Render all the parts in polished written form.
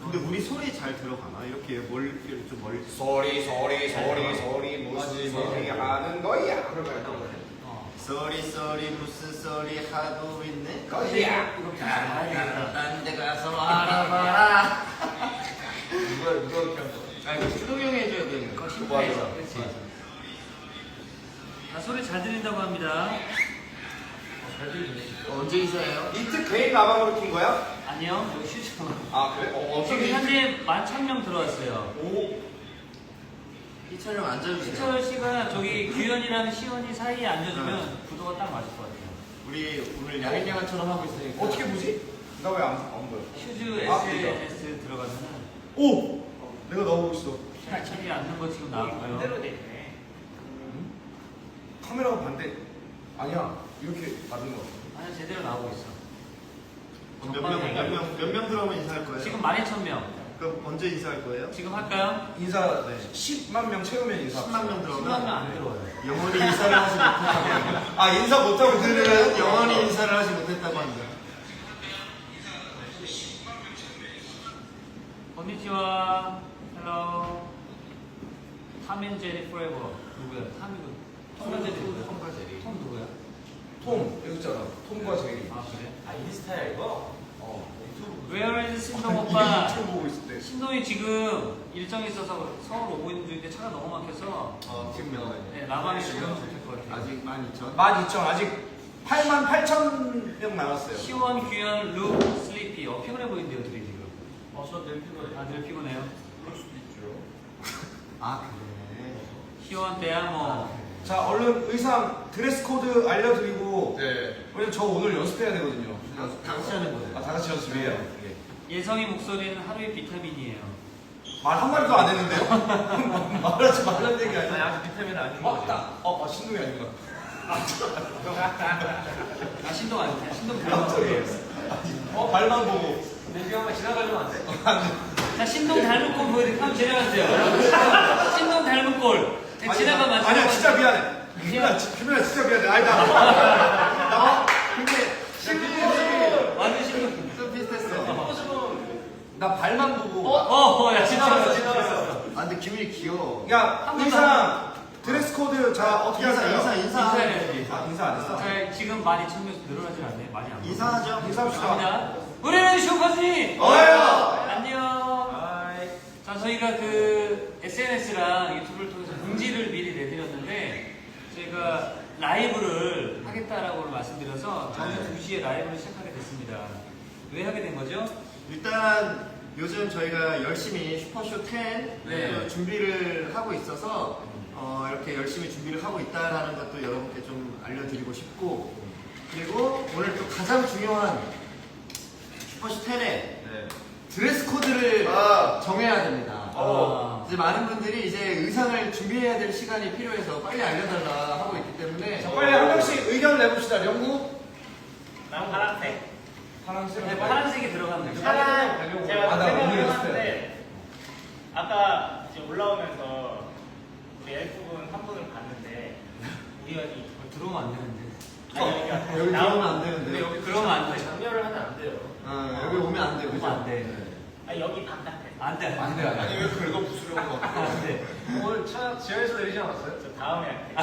근데 우리 소리 잘 들어가나? 이렇게 좀 멀리 소리 무슨 소리 하는 거야? 그러면 쏘리 무슨 소리 하고 있네? 거야. 딴데 가서 알아봐라. 누가 이렇게 한 거? 아 이거 수동이 형이 해줘야 되는 거. 심파에서. 그렇지. 자, 소리 잘 들린다고 합니다. 잘 들리네. 언제 이사해요? 이트 개인 라방으로 킨 거야? 아니요, 여기 휴지. 아 그래? 지금 현재 11,000명 들어왔어요. 오. 이철 형 앉아주세요. 시철 씨가 저기 규현이랑 시원이 사이에 앉아주면 구도가 딱 맞을 것 같아요. 우리 오늘 야인양아처럼 하고 있으니까 어떻게 보지? 나 왜 안 보여? 슈즈 아, SNS 들어가면은 오! 내가 나오고 있어. 저기 앉는 거 지금 나왔고요. 반대로 돼 있네. 카메라가 반대. 아니야. 이렇게 받는 거. 아니 제대로 나오고 있어. 몇 명 들어오면 인사할 거예요? 지금 12,000명. 그럼 언제 인사할 거예요? 지금 할까요? 인사 네. 10만 명 채우면 인사. 10만 명 10만 들어오면 명 안 들어와요. 영원히 인사를 하지 못했다고. 아 인사 못하고 그들은 영원히 인사를 하지 못했다고 합니다. 건니치와 헬로 탐앤제리 포레버 누구야? 탐과 제리 누구야? 톰 누구야? 톰 여기 있잖아. 톰과 제리. 아 그래? 아 인스타야 이거? Where is 신동 오빠? 유튜브 보고 있을 때. 신동이 지금 일정이 있어서 서울 오고 있는 중인데 차가 너무 막혀서 네, 라방에 들어가면 좋을 것 같아요. 아직 12,000? 12,000 아직 88,000명 남았어요. 시원, 규현, 룩, 슬리피 피곤해 보이는데요 둘이 지금. 저늘 피곤해. 늘 피곤해요. 그럴 수도 있죠. 아 그래. 시원, 대야모 자 얼른 의상 드레스 코드 알려드리고. 네. 왜냐면 저 오늘 연습해야 되거든요. 다 같이 하는 거예요. 아, 다 같이 연습해요. 예. 예성이 목소리는 하루의 비타민이에요. 말 한마디도 안 했는데요? 말하지 말라는 얘기 아니 아니야? 아직 비타민 아닌 거 같아. 신동이 아닌가? 아 신동 아니야? 신동 닮은 발만 보고. 내가 한번 지나가려면 안 돼? 자 신동 닮은 꼴 보여드릴게요. 한번 지나가세요. 신동 닮은 꼴. 지나가 마시고. 아니야, 진짜 미안해. 규민아, 진짜 미안해. 아니다. 나 근데 완전 신동. 좀 비슷했어. 나 발만 보고. 야 지나갔어. 아 근데 기분이 귀여워. 야, 의상, 드레스 코드, 자, 어떻게 하세요? 인사해야지. 아, 인사 안 했어? 자 지금 12,000명 늘어나질 않네. 많이 안. 인사하죠. 인사합시다. 갑니다. 우리는 슈퍼지. 어요! 안녕. 아이. 자 저희가 그 SNS랑 유튜브를 통해서 공지를 미리 내드렸는데 저희가 라이브를 하겠다라고 말씀드려서 저녁 2시에 라이브를 시작하게 됐습니다. 왜 하게 된 거죠? 일단 요즘 저희가 열심히 슈퍼쇼 10 네. 준비를 하고 있어서 이렇게 열심히 준비를 하고 있다라는 것도 여러분께 좀 알려드리고 싶고, 그리고 오늘 또 가장 중요한 슈퍼쇼 10의 드레스 코드를 정해야 됩니다. 이제 많은 분들이 이제 의상을 준비해야 될 시간이 필요해서 빨리 알려달라 하고 있기 때문에 자, 빨리 한 명씩 의견 내봅시다. 명구? 난 파란색. 파란색. 네, 파란색이 들어가면 되죠. 파란. 제가 아, 나 오늘 생각을 연습해. 하는데 아까 이제 올라오면서 우리 F분 한 분을 봤는데 우연히 들어오면 안 되는데. 아니, 여기 나오면 들어오면 안 되는데. 여기 그러면 안 돼. 장렬을 하면 안 돼요. 여기 오면 안 돼. 오면 안 돼. 아 여기 바깥에. 안 돼. 안 돼, 안 돼. 아니, 왜 긁어 부수려고 막. 안 돼. 오늘 차 지하에서 내리지 않았어요? 저 다음에 할게요.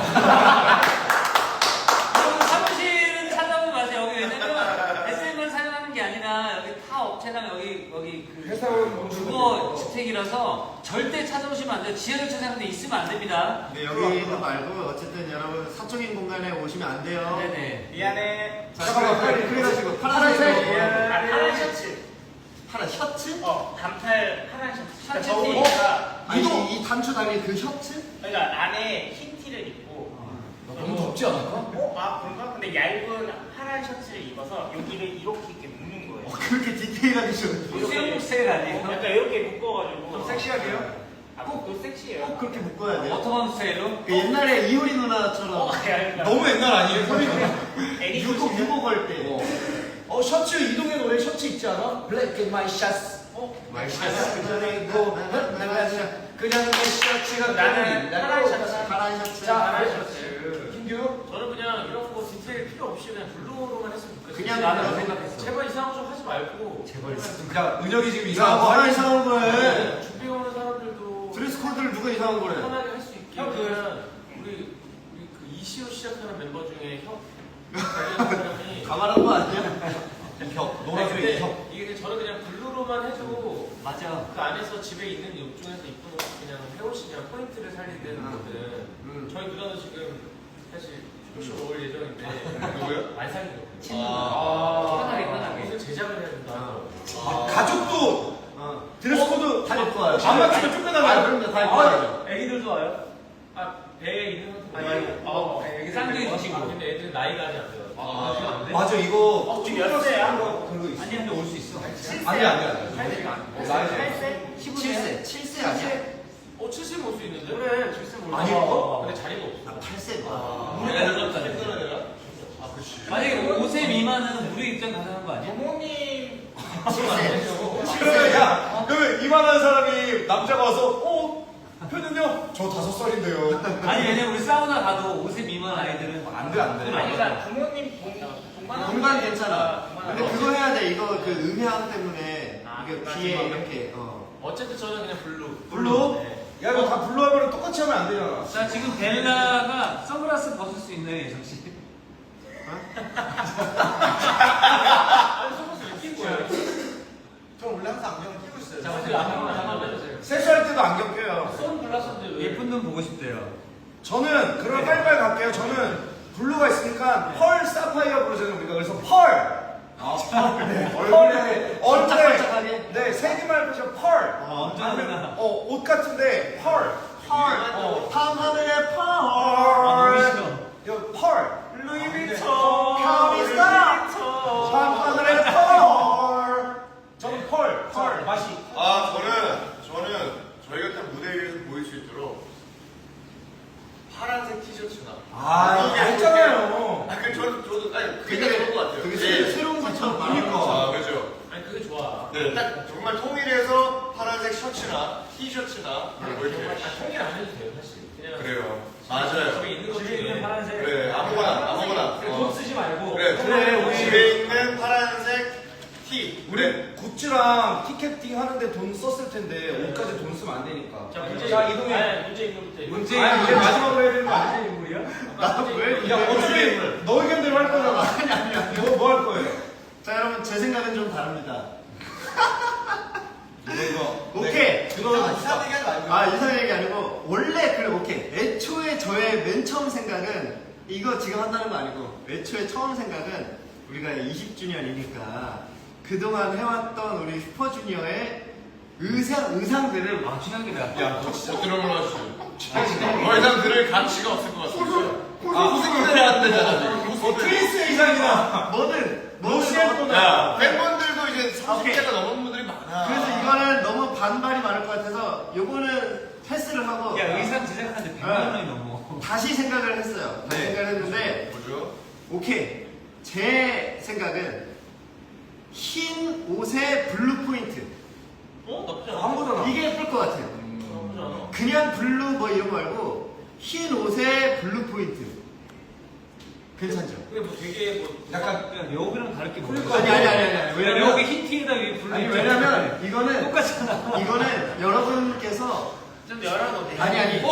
여러분 사무실은 찾아오지 마세요. 여기 왜냐면 SM을 사용하는 게 아니라 여기 타 업체랑 여기 그 회사원 주거 주택이라서 절대 찾아오시면 안 돼요. 지하철 사용하는데 있으면 안 됩니다. 네, 여기는 말고 어쨌든 여러분 사적인 공간에 오시면 안 돼요. 네네. 미안해. 자, 잠깐만, 빨리 그래가지고 파란색. 파란 셔츠. 파란 셔츠? 단팔 파란 셔츠. 셔츠 더우니까. 아니, 이 단추 달린 그 셔츠? 그러니까 안에 흰 티를 입고. 너무 덥지 않을까? 아 그런가? 근데 얇은 파란 셔츠를 입어서 여기를 이렇게 묶는 거예요. 그렇게 디테일하게 좀. 수영복 스타일 아니에요? 약간 이렇게 묶어가지고. 좀 섹시하게요? 꼭 섹시해요. 꼭 그렇게 묶어야 돼요. 워터밤 스타일로? 그 옛날에 이효리 누나처럼 아니, 너무 옛날 아니에요? 애니 유고 걸 때. 셔츠 이동의 노래 셔츠 있지 않아? Black and my shots. 와이셔츠 그리고 그냥 내 셔츠가 나는 파란 셔츠. 파란 셔츠. 파란 셔츠. 김규? 저는 그냥 이런 거 디테일 필요 없이 그냥 블루로만 했으면 좋겠어요. 그냥 나는 그냥 생각했어. 제발 이상한 거 좀 하지 말고. 제발 야 은혁이 지금 야, 이상한 거 뭐가 하니? 이상한 거해? 준비 오는 사람들도 드레스 코드를 누가 이상한 거래? 편하게 할 수 있게. 형, 그냥 우리 그 이시오 시작하는 멤버 중에 형 관련 사람이 가만한 거 아니야? 혁 아니, 노란색 근데 혁. 이게 저는 그냥 블루로만 해도 맞아. 그 안에서 집에 있는 옷 중에서 이쁜 옷 그냥 헤옷이 그냥 포인트를 살리는 거든. 저희 누나도 지금 사실 슈퍼쇼 올 예정인데 누구요? 안 살리고 편하게, 편하게. 옷을 제작을 해야 된다. 가족도 드레스 코드 다 입고 와요. 안 맞추면 쫓겨나가요. 그럼요, 다 입고 와요. 애기들도 와요? 아 배에 있는 것도 아니, 말고 애기 쌍둥이 드시고. 근데 애들은 나이가 아직 안 돼요. 안 돼? 맞아 이거 지금 몇 세야? 그런 거 있어. 아니, 근데 올 수 있어. 안돼. 살세? 7세. 7세 아니야? 7세 올 수 있는데? 그래, 줄수 몰라. 아니, 어? 근데 자리가 없어. 나 8세. 우리 애들 다 아 그렇지. 만약에 5세 미만은 우리 입장 가능한 거 아니야? 부모님 7세. 그러면 야 그러면 이만한 사람이 남자가 와서 표는요? 저 5살인데요. 아니, 왜냐면 우리 사우나 가도 5세 미만 아이들은 안 돼, 안 돼. 아니 그러니까 부모님 공간 괜찮아. 근데 그거 해야 돼. 이거 그 음향 때문에 이게 그러니까 귀에 지금 이렇게 어쨌든 저는 그냥 블루. 블루? 네. 야 이거 다 블루 하면 똑같이 하면 안 되잖아. 자, 지금 벨라가 선글라스 벗을 수 있나요, 예성 씨? 아니 속옷을 왜 끼고 거예요? 저 원래 항상 안경 끼고 있어요. 자 어떻게 한번 해주세요. 세수할 때도 안경 껴요. 선글라스인데 왜? 예쁜 눈 보고 싶대요. 저는 그럼 빨리빨리 갈게요. 저는 블루가 있으니까 펄 사파이어 부르잖아요 우리가. 그래서 펄. 얼굴에 반짝반짝하게? 네 세기말 그죠 펄. 언제나 아니면 옷 같은데 펄. 밤하늘의 너무 펄. 싫어. 이거 펄. 루이비통. 카리스타. 밤하늘의 펄. 저는 펄 맛이. 저는 저희가 딱 무대 위에서 보일 수 있도록 파란색 티셔츠나. 이거 했잖아요. 저도 아니 그게 좋은 것 같아요. 그게 네. 새로운 것처럼 그러니까. 아 그죠. 아니 그게 좋아. 네, 딱 정말 통일해서 파란색 셔츠나 티셔츠나 뭐 이렇게. 통일 안 해도 돼요 사실. 그냥 그래요. 맞아요. 집에 있는 것 집에 있는 중에 파란색. 그래 아무거나. 돈 쓰지 말고. 그래 우리 집에 있는 파란색 티. 우리 굿즈랑 티켓팅 하는데 돈 썼을 텐데 옷까지 돈 쓰면 안 되니까. 자 문제 이동해. 아니, 문제 있는 것부터 얘기해. 문제 아니 이제 마지막으로 해야 되는 거 아니야? 무슨 인물이야? 나왜 야 어차피 너 의견대로 할 거잖아. 아니 뭐 할 거예요? 자 여러분 제 생각은 좀 다릅니다. 이거 오케이. 그거 이상한 얘기 하지 말고. 이상 얘기 아니고 원래 그래 오케이. 애초에 저의 맨 처음 생각은 이거 지금 한다는 거 아니고 애초에 처음 생각은 우리가 20주년이니까 그동안 해왔던 우리 슈퍼주니어의 의상들을 최악이다. 야, 너 진짜 드럼을 하시죠. 더 이상 들을 가치가 없을 것 같습니다. 무슨 기대를 하는 데잖아, 지금. 트윈스 이상이다. 뭐든 러시아도 야, 팬분들도 이제 30대가 넘은 분들이 많아. 그래서 이거는 너무 반발이 많을 것 같아서 요거는 패스를 하고 야, 의상 제작하는데 100만 원이 넘어. 다시 생각을 했어요. 다시 네. 생각을 했는데 뭐죠? 오케이. 제 생각은 흰 옷에 블루 포인트. 나쁘지 않아. 한 거잖아. 이게 예쁠 것 같아요. 나쁘지 않아. 그냥 블루 뭐 이런 거 말고 흰 옷에 블루 포인트. 괜찮죠? 근데 뭐 되게 뭐 약간 야, 여기랑 다를 게 뭐야? 아니. 왜냐면 왜냐면 여기 흰 티에다 위에 블루 아니 있잖아. 왜냐면 이거는 똑같잖아. 이거는 여러분께서 좀 열어도 돼. 아니 아니,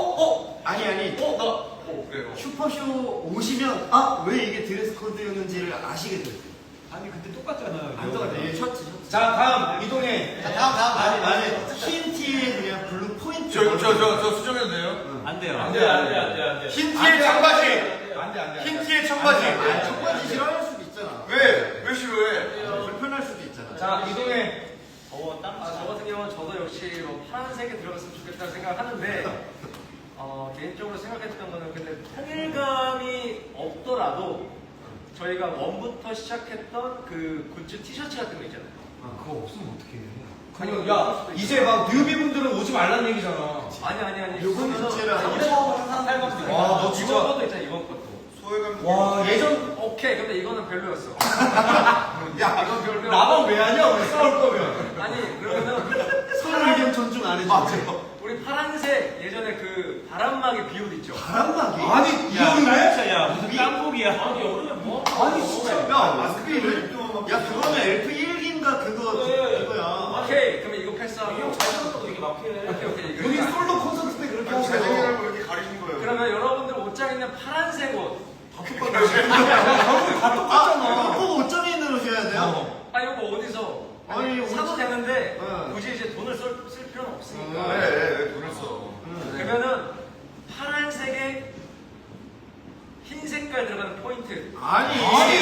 그래요. 슈퍼쇼 오시면 왜 이게 드레스 코드였는지를 아시게 돼요. 아니 근데 똑같잖아. 안 똑같아. 얘 셔츠. 자 다음 이동해. 아니 흰 티에 그냥 블루 포인트. 저 수정해도 돼요? 안 돼요. 안 돼, 안 돼. 흰 티에 청바지! 안돼. 흰 티에 청바지! 청바지 싫어할 수도 있잖아. 왜 싫어해? 불편할 수도 있잖아. 자 이동해. 저 같은 경우는 저도 역시 뭐 파란색에 들어갔으면 좋겠다는 생각을 하는데 개인적으로 생각했던 거는 근데 통일감이 없더라도 저희가 원부터 시작했던 그 굿즈 티셔츠 같은 거 있잖아요. 그거 없으면 어떡해. 그냥 야 이제 막 뉴비분들은 오지 말라는 얘기잖아. 아니. 요건 자체를 하고 와, 너 진짜- 이번 것도 있잖아, 이번 것도. 소외감. 와 예전 오케이, 근데 이거는 별로였어. 야 이거 나만 왜 하냐? 우리 싸울 거면. 아니 그러면은 서로 의견 존중 안 해주고. 우리 파란색 예전에 그 바람막이 비옷 있죠. 바람막이? 아니 이 야, 형이 왜? 진짜 야 무슨 깜복이야. 아니 여름에 뭐? 아니 진짜 야, 마스크를? 야, 그거는 엘프 1기인가 그거야. 오케이 그러면 이거 패스하고. 형잘 생각도 되게 막히네. 오케이 이거. 여기 솔로 콘서트 때 그렇게 하세요. 잘생기라고 이렇게 가리신 거예요. 그러면 여러분들 옷장 있는 파란색 옷. 결국에 다 똑같잖아. 꼭 5.1으로 줘야 돼요? 아 이거 뭐 어디서 아니, 사도 옷- 되는데 네. 굳이 이제 돈을 쓸 필요는 없으니까. 왜 돈을 써? 그러면은 파란색에 흰 색깔 들어가는 포인트. 아니, 아니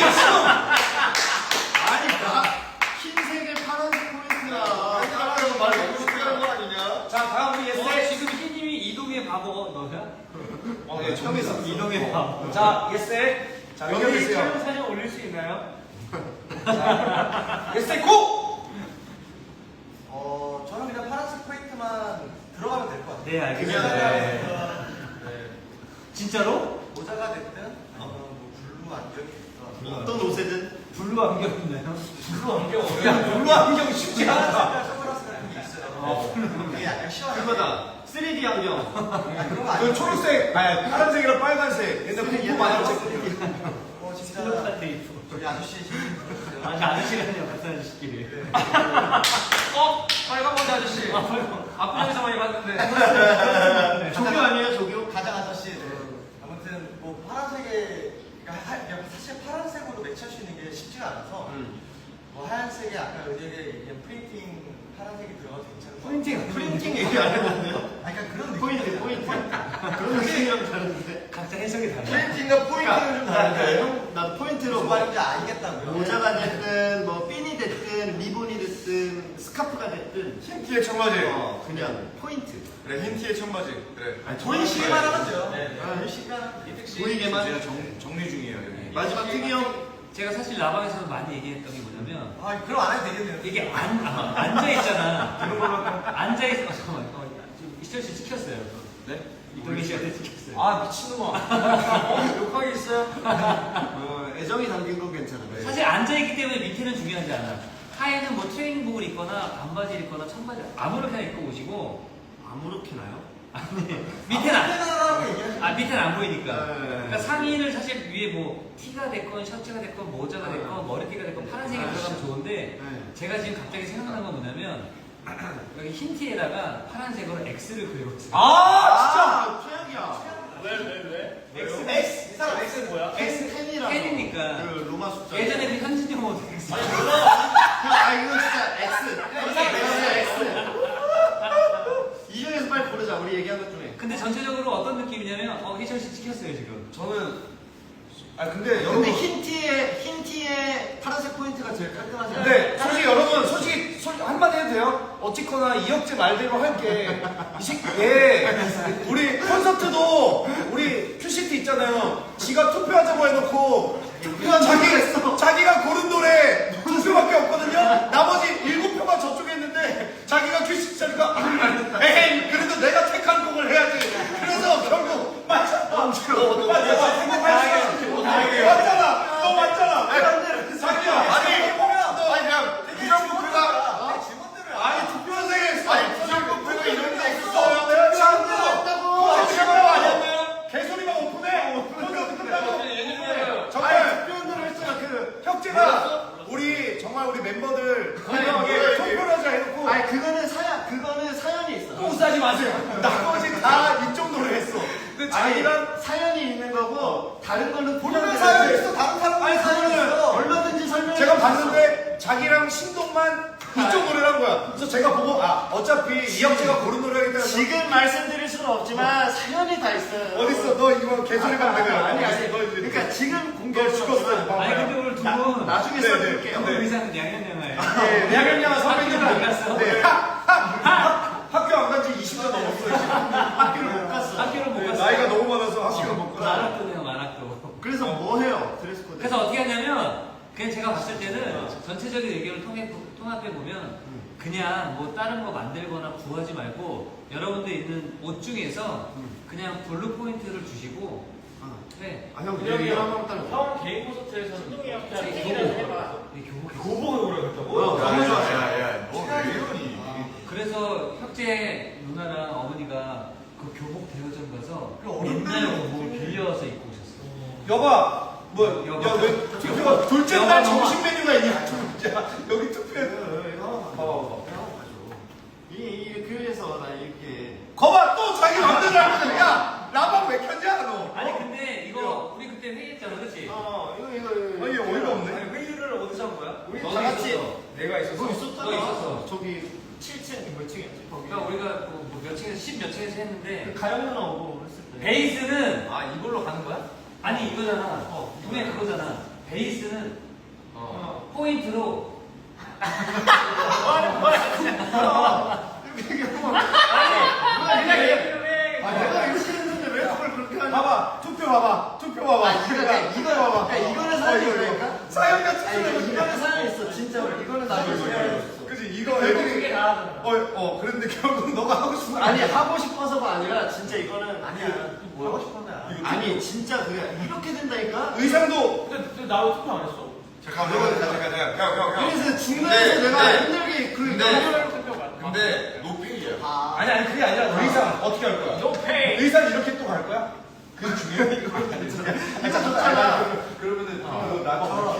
나 흰색에 파란색 포인트야. 사람이라고 말 너무 쉽게 하는 거 아니냐? 자 다음 우리 예스. 지금 희님이 이동의 바보 너야? 네, 처음 있어. 이동의 바보. 자 예스. 자 여기 의견해주세요. 촬영 사진 올릴 수 있나요? 예스 고. 저는 그냥 파란색 포인트만 들어가면 될 것 같아요. 네 알겠습니다. 네. 진짜로? 모자가 됐든, 뭐 블루 안경이 됐든. 어떤 옷이든. 블루 안경 있나요? 블루 안경 어려워. 야 블루 안경 쉽지 않아. 색깔 선글라스 같은 게 있어요. 그게 약간 시원하게. 그거다. 3D 안경. 그런 거 그 아니에요? 초록색, 아니 파란색이랑 빨간색. 옛날 공부 많이 했지. 진짜 스티로카 테이프. 저기 아저씨 신는 거 아니 아저씨라뇨 같은 아저씨끼리. 빨간 머리 아저씨. 앞부분에서 많이 봤는데. 조교 아니에요, 조교? 가장 아저씨. 네. 아무튼 뭐 파란색에 그러니까 사실 파란색으로 매치할 수 있는 게 쉽지가 않아서 뭐 하얀색에 아까 은혁의 얘기한 프린팅 파란색이 들어가도 괜찮은 것 같아요. 프린팅 얘기 안 해봤네요. 아니 그러니까 그런 포인트. 느낌이에요. 그런 느낌이랑 다른데. 각자 해석이 달라. 프린팅과 포인트는 좀 다른데. 형, 나도 포인트로 무슨 뭐 말인지 알겠다고요. 모자가 됐든, 뭐 핀이 됐든, 리본이 됐든, 스카프가 됐든, 흰티에 청바지. 그냥 포인트. 그래 흰티에 청바지. 그래. 보이시기만 하면 돼요. 네. 보이시기만 하면 돼요. 보이게만. 제가 정리 중이에요 여기. 마지막 특이 형. 제가 사실 라방에서 많이 얘기했던 게 뭐냐면 아 그럼 안 해도 되겠네요. 이게 앉아 있잖아. 앉아 있어. 잠깐만. 이철 씨 찍혔어요. 네? 이동희 씨한테 찍혔어요. 아 미친놈아. 욕하기 있어요? 애정이 담긴 건 괜찮아. 사실 앉아 있기 때문에 밑에는 중요하지 않아. 하에는 뭐 트레이닝복을 입거나 반바지를 입거나 청바지 아무렇게나 입고 오시고 아무렇게나요? 밑에는 안. 하라고 얘기하시면 밑에는 안 보이니까. 네. 그러니까 상의를 사실 위에 뭐 티가 됐건 셔츠가 됐건 모자가 됐건 머리띠가 됐건 파란색이 들어가면 좋은데 네. 제가 지금 갑자기 생각난 건 뭐냐면 여기 흰 티에다가 파란색으로 X를 그려봤어요. 아 최악이야. X 이 사람 X는 뭐야? X10이라고. 팬이니까. 그 로마 숫자. 예전에 그 현진이 형 X. 이거 진짜 X. 이 중에서 빨리 고르자. 우리 얘기한 것 중에. 근데 전체적으로 어떤 느낌이냐면 희철 씨 찍혔어요 지금. 저는 근데 근데 여러분. 흰 티에 파란색 포인트가 제일 깔끔하지 않아요? 근데 솔직히 여러분 솔직히 한마디 해도 돼요? 어찌거나 이혁재 말대로 할게. 이 새끼 우리 콘서트도 우리 큐시티 있잖아요. 지가 투표하자고 해놓고 자기가 고른 노래 2표밖에 없거든요. 나머지 7표가 저쪽에 있는데 자기가 큐시티 자니까 에이 그래도 내가 택한 곡을 해야지. 그래서 결국 맞잖아. 맞잖아. 너 맞잖아. 자기야. 아니 그냥 부정부패가 아니 투표생에 부정부패가 이런 게 있어. 내가 잘못했다고. 지금은 아니었나요? 개소리만 오픈해. 콘서트 끝나고. 정말 투표원들을 했잖아. 그 혁재가 우리 정말 우리 멤버들 건강하게 투표를 하자 해놓고. 아니 그거는 사연이 있어. 똥 싸지 마세요. 나머지 다 이쪽 노래 했어. 근데 자기랑 사연이 있는 거고 다른 거는 본인의 사연이 있어. 다른 사람의 사연이 있어. 얼마든지 설명해. 제가 봤는데 자기랑 신동만 이쪽 노래를 한 거야. 그래서 제가 보고 어차피 이혁재가 고른 노래이기 때문에 지금 말씀드릴 수는 없지만 사연이 다 있어요. 어딨어? 너 이거 개소리만 내가 아니 너 그러니까 지금 너 공개를 죽었어. 아니 근데 오늘 두 분 나중에 네, 써드릴게요. 네. 의상은 양현양아예요. 야경양아 선배님들 학교를 안 갔어? 네. 학교 안 간 지 20년 넘었어요. 지금. 학교를 못 갔어. 학교를 못 갔어. 나이가 너무 많아서 학교를 못 가. 만학도네요 만학도. 그래서 뭐 해요? 드레스 코드. 그래서 어떻게 하냐면 그냥 제가 봤을 때는 전체적인 의견을 통합해 보면 그냥 뭐 다른 거 만들거나 구하지 말고 여러분들 있는 옷 중에서 그냥 블루 포인트를 주시고 네. 형 그냥 얘기 한번 따라. 형 개인 콘서트에서는 교복. 교복을 오래 했다고? 너무 좋았어. 야야야 너 왜 이래? 그때 누나랑 어머니가 그 교복 대여점 가서 그 어른들 옛날 교복을 빌려서 입고 오셨어. 여봐, 뭐, 여봐. 야, 왜 투표 둘째 여봐, 날 여봐. 점심 메뉴가 있냐? 진짜 여기 투표해. 이거 이 교회에서 나 이렇게 거봐, 또 자기 맘대로 하거든. 야, 라방 왜 켰냐, 너? 아니 근데 이거 우리 그때 회의했잖아, 그렇지? 이거 아니, 어이가 없네. 아니, 회의를 어디서 한 거야? 우리 너도 다 같이 있었어. 내가 있었어. 너 있었잖아. 너 있었어. 저기 7층 몇 층이었지 거기. 그러니까 우리가 몇 층에서 10몇 층에서 했는데 가영 누나 오고 했을 때. 베이스는 아 이걸로 가는 거야? 아니 이거잖아. 분명 그거잖아. 베이스는 포인트로 내가 이렇게 했는데 왜 그걸 그렇게 하냐? 봐봐, 투표 봐봐, 투표 봐봐. 이거 봐봐. 이거는 사연이 있다니까. 사연과 아니 투표는 이거는 사연이 있어 진짜로. 이거는 나도 있어. 그지 이거 애들이 다 그런데 결국 너가 하고 싶은 거 아니 하고 싶어서가 아니라 진짜 이거는 아니야. 하고 싶었나? 아니 진짜 그래 이렇게 된다니까. 의상도 근데 나 왜 투표 안 했어? 잠깐만 형. 그래서 중간에서 근데, 내가 근데, 힘들게 그 근데, 연결을 근데 노페이야. 아니 그게 아니라 의상 어떻게 할 거야? 노페이. 의상 이렇게 또 갈 거야? 그게 중요해. 이거 좋잖아. 그러면은 나가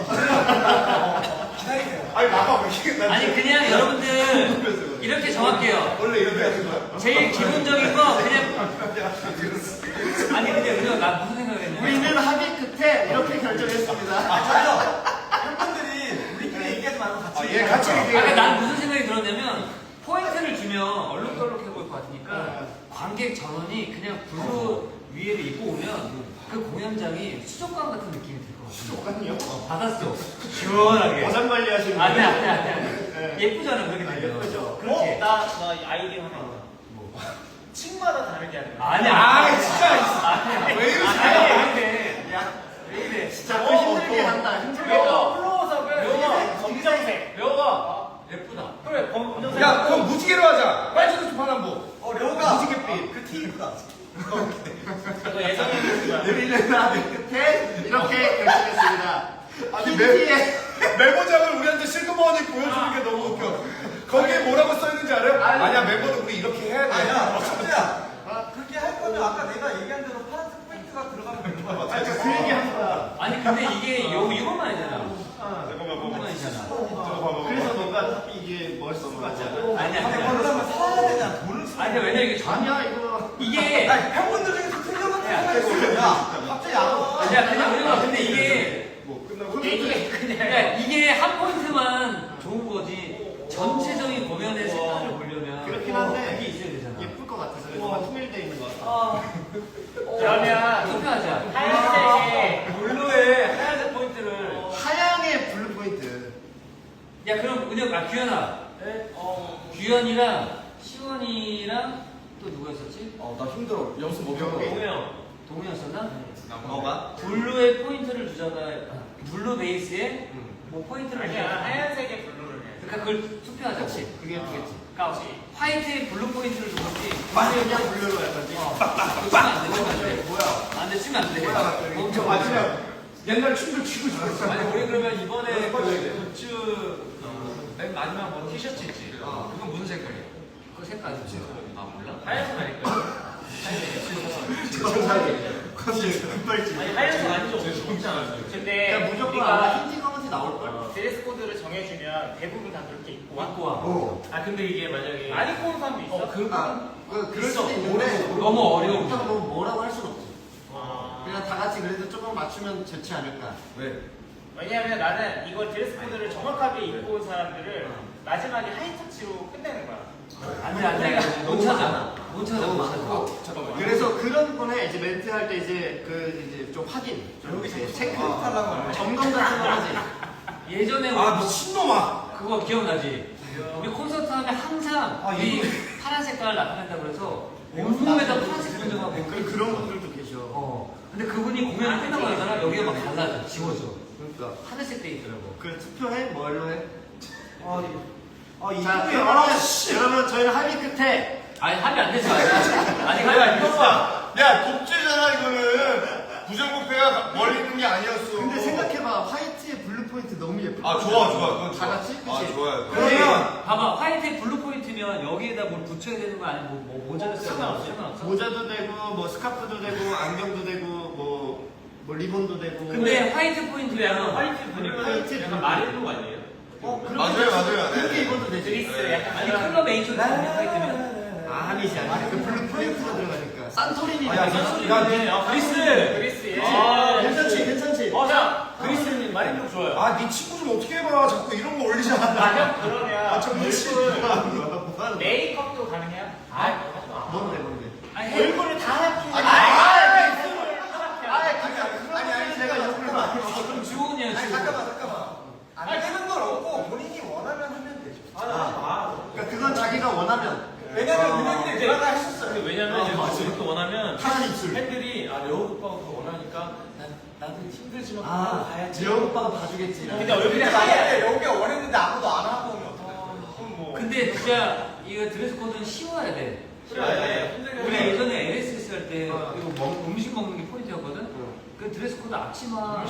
기다리세요. 아니 나가 왜 이게 아니 그냥 여러분들 이렇게 정할게요. 원래 이렇게 하는 거야? 제일 기본적인 거 그냥 아니 근데 우리가 나 무슨 생각했냐? 우리는 합의 끝에 이렇게 결정했습니다. 맞아요. 팬분들이 우리끼리 얘기하지 말고 같이. 예, 같이 아까 얘기해. 난 무슨 생각이 들었냐면 포인트를 주면 얼룩덜룩해 보일 것 같으니까 관객 전원이 그냥 블루 위에를 입고 오면 그 공연장이 수족관 같은 느낌이 들 것 같아. 수족관이요? 받았어. 시원하게. 어장 관리하시는 아니 분이. 아니 아니. 예쁘잖아 그렇게 되면. 예쁘죠. 그렇게. 나 아이디어 하나 있다. 층마다 다르게 하는 거야. 아니 아 진짜 아니야. 왜 이러세요? 아니 왜 이래? 왜 이래? 진짜 그 힘들게 한다. 힘들게. 묘가 플로우석을 검정색. 묘가 예쁘다. 그래 검정색. 야 그럼 무지개로 하자. 빨간색 주파남보. 려우가 무지갯빛. 그 티입다. 이거 예상해 거야. 우리는 합의 끝에 이렇게 결정했습니다. 아니 흰티에 메모장을 우리한테 실그머니 보여주는 게 너무 웃겨. 거기에 뭐라고 써있는지 알아요? 아니야 멤버들 우리 이렇게 해야 돼. 아니야, 천재야. 그렇게 할 거면 아까 내가 얘기한 대로 파란색 포인트가 들어가면 되는 거야. 그 얘기한 거야. 아니 근데 이게 이것만 아니잖아. 잠깐만 이것만이잖아. 그래서 뭔가 이게 멋있을 것 같지 않아? 아니 아니, 아니. 그러면 사야 되잖아. 돈을 쓰. 아니 왜냐 이게 전 아니야 이거. 이게 아니, 팬분들 중에서 틀려봤다 생각했어. 야, 갑자기 안 와. 야 그냥 우리가 근데 이게 뭐 끝나고 그러니까 이게 한 포인트만 좋은 거지 전체적인 공연의 색깔을 보려면 그렇긴 한데 그게 있어야 되잖아. 예쁠 것 같아서 뭔가 통일돼 있는 것 같아. 그러면 투표하자. 하얀색에 블루에 하얀색 포인트를. 하양의 블루 포인트. 야 그럼 은혁 규현아. 규현이랑 시원이랑 또 누구였었지? 나 힘들어. 연습 못 하고. 동우였었나? 뭐가? 블루에 포인트를 주잖아. 블루 베이스에 뭐 포인트를 아니야 주잖아. 하얀색에 블루를 해. 그러니까 그걸 투표하자. 그렇지. 그게 예쁘겠지. 까지. 화이트에 블루 포인트를 주는지 그냥 블루로 약간. 그거 치면 안 돼. 치면 안 돼. 뭐야? 안 돼. 치면 안 돼. 멈춰. 아니야. 옛날 춤도 추고 싶었어. 아니 우리 그러면 이번에 그 굿즈 맨 마지막 뭐 티셔츠 있지? 그건 무슨 색깔이야? 그 색깔이지. 아 몰라? 하얀색 아닐까요? 갑자기 금발지. 아니 하얀색 아니죠? 없지 않았어요. 근데 그냥 무조건 우리가 아마 흰티 검은티 나올 걸. 드레스 코드를 정해주면 대부분 다 그렇게 입고 와. 갖고 와. 아 근데 이게 만약에 안 입고 온 사람도 있어? 그럴 수도 있는데 너무 어려워. 그렇다고 뭐 뭐라고 할 수는 없지. 아. 그냥 다 같이 그래도 조금 맞추면 좋지 않을까. 왜? 왜냐면 나는 이걸 드레스 코드를 정확하게 입고 온 사람들을 마지막에 하이터치로 끝내는 거야. 안 돼, 안 돼. 못 찾아. 못 찾아, 못 찾아. 잠깐만. 그래서 그런 분에 이제 멘트 할 때 이제 좀 확인, 좀 이제 체크, 점검 같은 거 하지. 예전에 아 미친놈아. 그거 기억나지? 우리 콘서트 하면 항상 이 파란 색깔 나타낸다고 그래서 온몸에다 파란색 분정하고 그런 분들도 계셔. 근데 그분이 공연이 끝나고 나잖아. 여기가 막 달라져. 지워져. 그러니까. 하늘색 돼 있더라고. 그래 투표해? 뭘로 해? 이 자, 형이 여러분 저희는 합의 끝에 아니, 합의 안 됐어. 아직 합의 안 됐어. 야 독재잖아 이거는. 부정부패가 멀리 있는 게 아니었어. 근데 생각해봐 화이트에 블루 포인트 너무 예쁠 아 것 좋아 같아. 좋아 그건 다 좋아. 같이? 아 그치? 좋아요. 그러면 봐봐 화이트에 블루 포인트면 여기에다 뭘 붙여야 되는 거 아니면 뭐 모자를 써야 되는 거 상관없어? 모자도 되고 뭐 스카프도 되고 안경도 되고 뭐 리본도 되고. 근데 화이트 근데 포인트면 약간 화이트 보니까 화이트 약간 블루. 마릴로 아니에요? 맞아요 맞아요. 그렇게 네. 입어도 되지. 그리스 약간 아니 클럽 에이션이 화이트면 아니지 아니지. 그 블루 포인트가 들어가니까. 산토리니. 아니, 그리스 아, 괜찮지 괜찮지. 자 그리스님 마릴로 좋아요. 아, 네 친구 좀 어떻게 해봐. 자꾸 이런 거 올리잖아. 형 그러면 정말 뭐 메이크업도 가능해요? 뭔데. 아니 얼굴을 다 할게요. 아니 내가 욕을 많이 먹어. 그럼 주호은이야 아니 주호. 잠깐만 안 되는 건 없고 본인이 원하면 하면 되죠. 그러니까 그건 자기가 원하면. 왜냐면 은행들 제가 했었어요. 근데 왜냐면 이제 맞아. 그렇게 원하면 파란 입술. 팬들이 아 레오 오빠가 그거 원하니까 나도 힘들지만 아, 가야지. 지영 오빠가 봐주겠지. 근데 얼굴이 근데 하얘. 만약에 여기가 원했는데 아무도 안 하고 오면 어떡해. 뭐. 근데 진짜 이거 드레스 코드는 쉬워야 돼. 우리 예전에 LSS 할 때 이거 음식 먹는 게 포인트였거든. 그 드레스 코드 앞치마.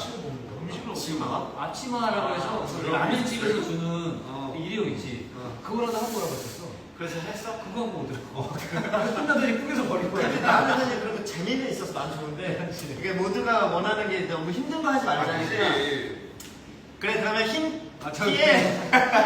앞치마라고 해서 그 라면집에서 주는 일회용 있지. 그거라도 하고 오라고 했었어. 그래서 했어? 그거 하고 오더라고. 끝나더니 꾸겨서 버릴 거야. 근데 나는 사실 그런 거 재미는 있어서 난 좋은데 이게 모두가 원하는 게 너무 힘든 거 하지 말자니까. 그래 그러면 흰 티에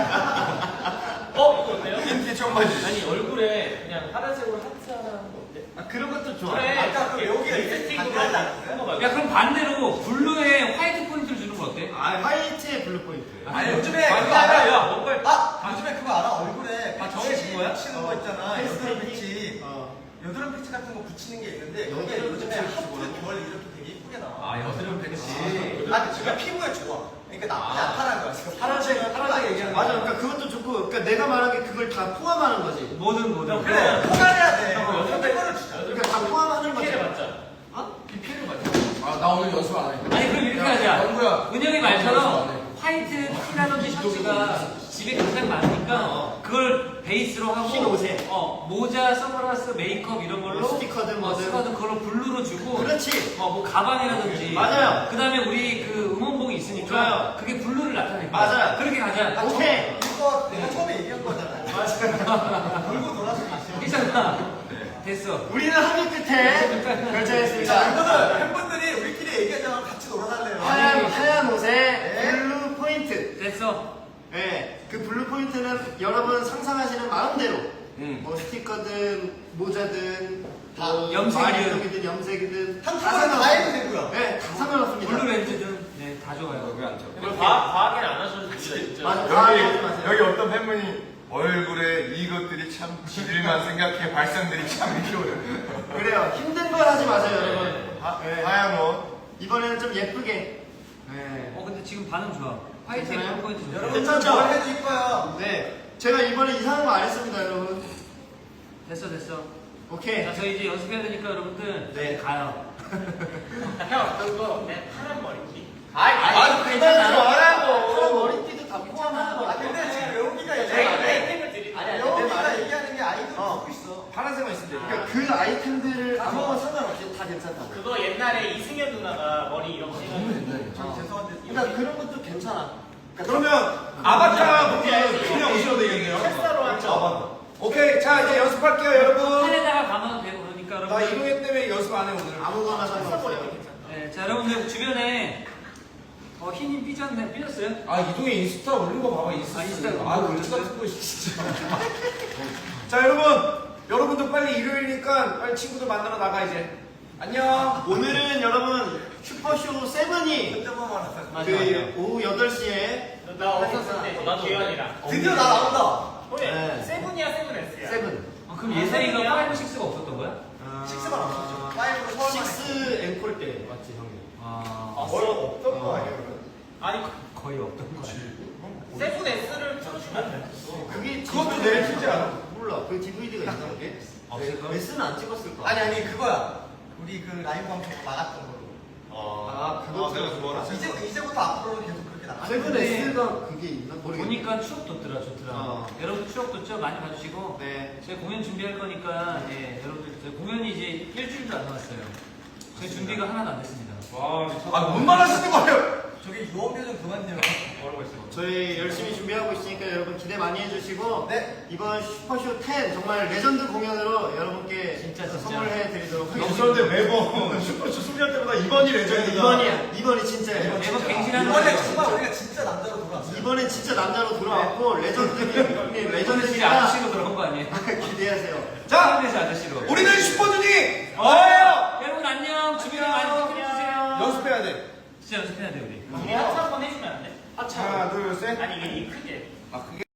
이거 어때요? 흰티 청바지. 아니 얼굴에 그냥 파란색으로 하트 하나 하는 거 어때? 그런 것도 좋아. 그래. 아까 그 여기가 세팅으로 반대하지 않았어요? 한거 말고. 야 그럼 반대로 블루에 화이트 포인트를 주는 거 어때? 아 화이트에 블루 포인트. 아니 요즘에 아니, 그거 알아? 야, 뭔가 요즘에 그거 알아? 얼굴에 아, 정해진 거야? 붙이는 거 있잖아. 여드름 패치. 어. 여드름 패치 같은 거 붙이는 게 있는데 여기에 여드름 요즘에 패치 하트 뭐야? 결 이렇게 되게 예쁘게 나와. 아 여드름 패치. 아, 지금 피부에 좋아. 그러니까 나타난 거야. 지금 파란색 얘기하는 맞아. 그러니까 그것도 좋고, 그러니까 내가 말한 게 그걸 다 포함하는 거지. 뭐든 그래, 포괄해야 돼. 여드름 여드름을 주자. 그러니까 다 포함하는 거지. PPL 맞자. 어? PPL 맞자. 아나 오늘 연습 안 해. 아니 그럼 이렇게 하자. 은영이 말처럼 화이트 티라든지 셔츠가 집에 굉장히 많으니까 그걸 베이스로 하고 흰 옷에. 모자, 선글라스, 메이크업 이런 걸로 뭐 스티커든 뭐든. 스티커든 그걸로 블루로 주고 그렇지. 뭐 가방이라든지 맞아요. 그다음에 우리 그 응원봉이 있으니까 좋아요. 그게 블루를 나타낼 거야. 맞아요. 그렇게 가자. 오케이. 이거 내가 처음에 얘기한 거잖아. 맞아. 돌고 돌아서 있어. 괜찮아. 됐어. 우리는 합의 끝에 자, 결정했습니다. 이거는 팬분들이 우리끼리 얘기하자면 같이 놀아달래요. 하얀 옷에 블루 포인트. 됐어. 예, 그 블루 포인트는 여러분 상상하시는 마음대로 응. 뭐 스티커든 모자든 다 뭐 염색이든. 마리동이든 염색이든 한 통은 다 해도 되고요. 네, 다 상관없습니다. 블루 렌즈든 네, 다 좋아요. 왜안 쳐? 근데 과하게는 안 하셔도 됩니다 진짜. 맞아. 여기 어떤 팬분이 얼굴에 이것들이 참 지들만 생각해 발상들이 참 이렇게 그래요. 힘든 걸 하지 마세요, 여러분. 하얀 옷. 이번에는 좀 예쁘게. 네. 근데 지금 반응 좋아. 화이트 괜찮아요? 블루 포인트 좋아. 여러분 괜찮죠? 뭘 해도 이뻐요. 네. 제가 이번에 이상한 거 안 했습니다, 여러분. 됐어. 오케이. 자, 저희 이제 연습해야 되니까 여러분들 네. 가요. 형 그거 내 파란 머리띠. 아 그만 좀 하라고. 파란 머리띠도 다 포함하는 거 아, 근데 지금 여기가 저희 얘기하는 아이템을 드릴게요. 아니, 여기가 얘기하는 게 아이돌 듣고 있어. 파란색만 있으면 돼. 그러니까 그 아이템들을 아무거나 상관없이 다 괜찮다고. 그거 옛날에 이승현 누나가 머리 이렇게 해가지고 저 죄송한데 그러니까 그런 것도 괜찮아. 그러면 아바타 분들 그냥 오셔도 되겠네요. 햇사로 하죠. 아바타. 오케이, 자 이제 연습할게요, 여러분. 판에다가 감아도 되고 그러니까 나 여러분들. 이동현 때문에 연습 안 해 오늘. 아무거나 상관없어요. 네, 자, 여러분들 주변에 흰님 삐졌어요? 아 이동현 인스타 올린 거 봐봐 인스타. 인스타 아 울지 같은 거 진짜. 자 여러분들 빨리 일요일이니까 빨리 친구들 만나러 나가 이제. 안녕. 오늘은 여러분 슈퍼쇼 세븐이 혼자만 말았어. 맞아. 오후 8시에 나 없었을 때 나도 기현이랑. 드디어 나 나온다. 네. 세븐이야 세븐S야. 세븐. 그럼 예선이가 5, 6가 없었던 거야? 식스만 없었죠. 파이브로 서울만 식스 앵콜 때 맞지 형님? 없던 거 아니에요? 아니 거의 없던 거야. 세븐S를 틀어주면 안 돼. 그게 그것도 내일 찍지 않아? 몰라. 그 DVD가 있나 그게? 없을걸? 메스는 안 찍었을 거야. 아니 그거야. 우리 그 라이브 방송 막았던 걸로. 아, 그거 내가 그거 알았어. 이제부터 앞으로는 계속 그렇게 나가. 세븐 S가 그게 있나? 모르겠네. 보니까 추억 돋더라, 좋더라. 여러분 추억 돋죠? 많이 봐주시고. 네. 저희 공연 준비할 거니까, 예, 여러분들, 저희 공연이 이제 일주일도 안 남았어요. 저희 준비가 하나도 안 됐습니다. 아뭔 말 하시는 거예요? 저기 유언비 좀 그만요. 뭐라고 했어요? 저희 열심히 준비하고 있으니까 여러분 기대 많이 해주시고 네. 이번 슈퍼쇼 10 정말 레전드 공연으로 여러분께 진짜. 선물해 드리도록 그런데 하겠습니다. 매번 슈퍼쇼 승리할 때마다 이번이 레전드다. 이번이 진짜예요. 매번 갱신하는 이번에 거죠. 정말 우리가 진짜 남자로 돌아왔어요. 이번엔 진짜 남자로 돌아왔고 이번에 진짜 레전드니까 아저씨로 들어온 거 아니에요? 기대하세요. 자, 서 아저씨로. 우리는 슈퍼주니 여러분 안녕. 주변에 많이 부탁드려주세요. 연습해야 돼. 진짜 연습해야 돼 우리. 우리 하트 한번 해주면 안 돼? 하나, 둘, 셋. 아니 이게 크게. 아, 그게